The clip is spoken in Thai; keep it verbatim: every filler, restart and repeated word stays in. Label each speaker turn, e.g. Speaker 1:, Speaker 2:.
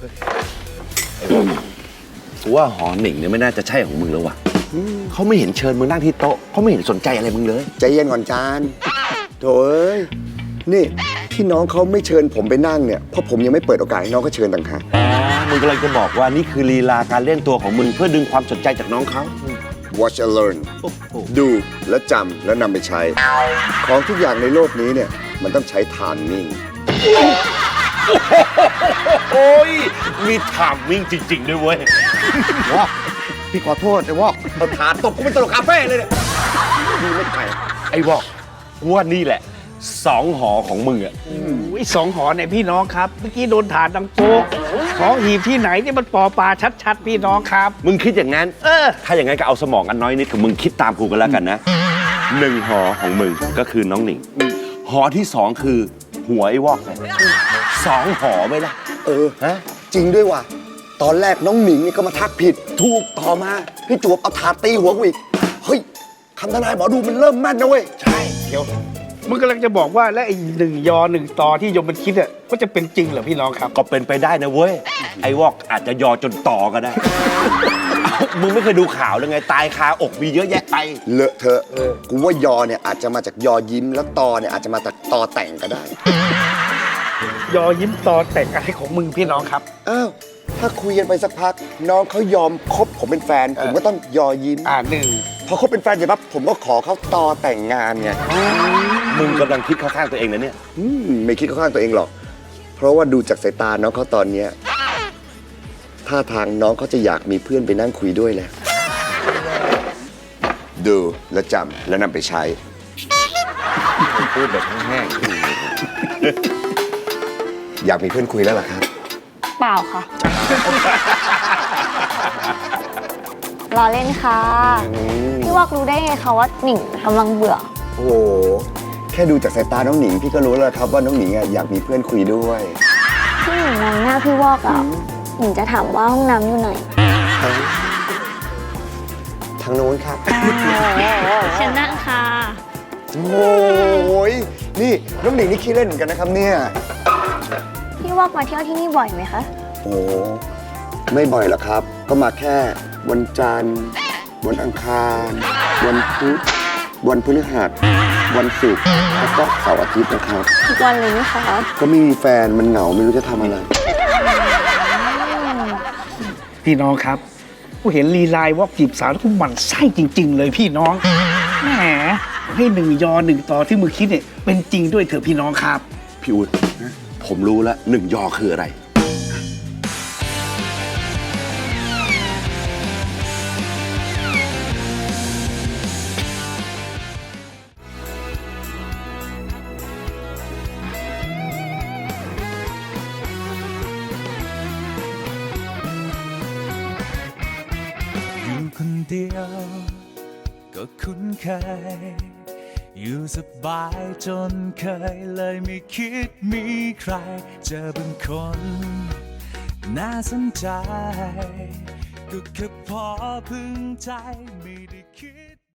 Speaker 1: กูว่าหอหนิงเนี่ยไม่น่าจะใช่ของมึงแล้วว่ะเขาไม่เห็นเชิญมึงนั่งที่โต๊ะเขาไม่เห็นสนใจอะไรมึงเลย
Speaker 2: ใจเย็นก่อนจานโถเอ้ยนี่ที่น้องเขาไม่เชิญผมไปนั่งเนี่ยเพราะผมยังไม่เปิดโอกาสให้น้องเขาเชิญต่างหาก
Speaker 1: อ๋อมึงกำลังจะบอกว่านี่คือลีลาการเล่นตัวของมึงเพื่อดึงความสนใจจากน้องเขา
Speaker 2: watch and learn ดูและจำและนำไปใช้ ของทุกอย่างในโลกนี้เนี่ยมันต้องใช้ทานนิ่ง
Speaker 1: โอ้ยมีถามวิ่งจริงๆด้วยเว้ย
Speaker 2: วอกพี่ขอโทษไอ้วอกเอาถาตบกูเป็นตลกคาเฟ่เลยเนี่ยดีไม่ไกล
Speaker 1: ไอ้วอกกูว่านี่แหละสองหอของมึงอะ
Speaker 3: อุ้ยสองหอเนี่ยพี่น้องครับ เมื่อกี้โดนถาดดังโป๊กของหีบที่ไหนนี่มันปอปลาชัดๆ พี่น้องครับ
Speaker 1: มึงคิดอย่างนั้น
Speaker 3: เออ
Speaker 1: ถ้าอย่างนั้นก็เอาสมองอันน้อยนิดของมึงคิดตามกูกันแล้วกันนะหนึ่งหอของมึงก็คือน้องหนิงหอที่สองคือหัวไอ้วอกเลยสองหอไหมล่ะ
Speaker 2: เออ
Speaker 1: ฮะ
Speaker 2: จริงด้วยว่ะตอนแรกน้องหนิงนี่ก็มาทักผิดถูกต่อมาพี่จวบเอาถาตีหัวกูอีกเฮ้ยคำทนายหมอดูมันเริ่มแม่นนะเว้ยใช่เดี๋ยว
Speaker 3: มึงกำลังจะบอกว่าและไอ้หนึ่งยอหนึ่งตอที่โยมมันคิดอ่ะก็จะเป็นจริงเหรอพี่น้องครับ
Speaker 1: ก็เป็นไปได้นะเว้ยไอ้วอกอาจจะยอจนต่อก็ได้ เอ้ามึงไม่เคยดูข่าวเลยไงตายคาอกมีเยอะแยะไป
Speaker 2: เลอะเทอะกูว่ายอเนี่ยอาจจะมาจากยอยิ้มแล้วตอเนี่ยอาจจะมาจากตอแต่งก็ได้
Speaker 3: ยอยิ้มตอแต่งอะไรของมึงพี่น้องครับ
Speaker 2: อ้าวถ้าคุยกันไปสักพัก น้องเขายอมคบผมเป็นแฟน ผมก็ต้องยอยิ้ม
Speaker 3: อ่าหนึ่ง
Speaker 2: พอคบเป็นแฟนเสร็จปั๊บผมก็ขอเขาตอแต่งงานไง
Speaker 1: มึงกำลังคิดเข้าข้างตัวเองนะเนี่ย
Speaker 2: อืมไม่คิดเข้าข้างตัวเองหรอก เพราะว่าดูจากสายตาน้องเขาตอนเนี้ยท่าทางน้องเขาจะอยากมีเพื่อนไปนั่งคุยด้วยแหละดูและจำและนำไปใช้
Speaker 1: พูดแบบแห้ง
Speaker 2: อยากมีเพื่อนคุยแล้วล่ะครับ
Speaker 4: เปล่าค่ะ รอเล่นค่ะ พี่วอกรู้ได้ไงคะว่าหนิงกำลังเบื่อ
Speaker 2: โอ้โหแค่ดูจากสายตาน้องหนิงพี่ก็รู้แล้วครับว่าน้องหนิงอะอยากมีเพื่อนคุยด้วย
Speaker 4: พี่หนิงมองหน้าพี่วอกอ่ะหนิงจะถามว่าห้องน้ำอยู่ไหน
Speaker 2: ทางโน้นครับ
Speaker 4: เชิญนั่งค่ะ
Speaker 2: โอ้ยนี่น้องหนิงนี่ขี้เล่นเหมือนกันนะครับเนี่ย
Speaker 4: พี่วอกมาเที่ยวที่นี่บ่อยไหมคะ
Speaker 2: โอ้ไม่บ่อยหรอกครับ ก็มาแค่วันจันทร์ วันอังคาร วันพุธ วันพฤหัส วันศุกร์ แล้วก็เสาร์อาทิตย์นะครับ
Speaker 4: ทุกวันเลยไหมคะ
Speaker 2: ก็ไม่มีแฟนมันเหงาไม่รู้จะทำอะไร
Speaker 3: พี่น้องครับกูเห็นลีลายวอกจีบสาวแล้วกูหมั่นไส้จริง ๆ เลยพี่น้องแหมให้หนึ่งยอหนึ่งตอที่มึงคิดเนี่ยเป็นจริงด้วยเถอะพี่น้องครับ
Speaker 1: พี่อู๊ดผมรู้แล้วหนึ่งยอคืออะไร
Speaker 5: อยู่คนเดียวก็คุ้นเคย อยู่สบายจนเคยเลยไม่คิดมีใคร เจอบางคนน่าสนใจ ก็แค่พอพึงใจไม่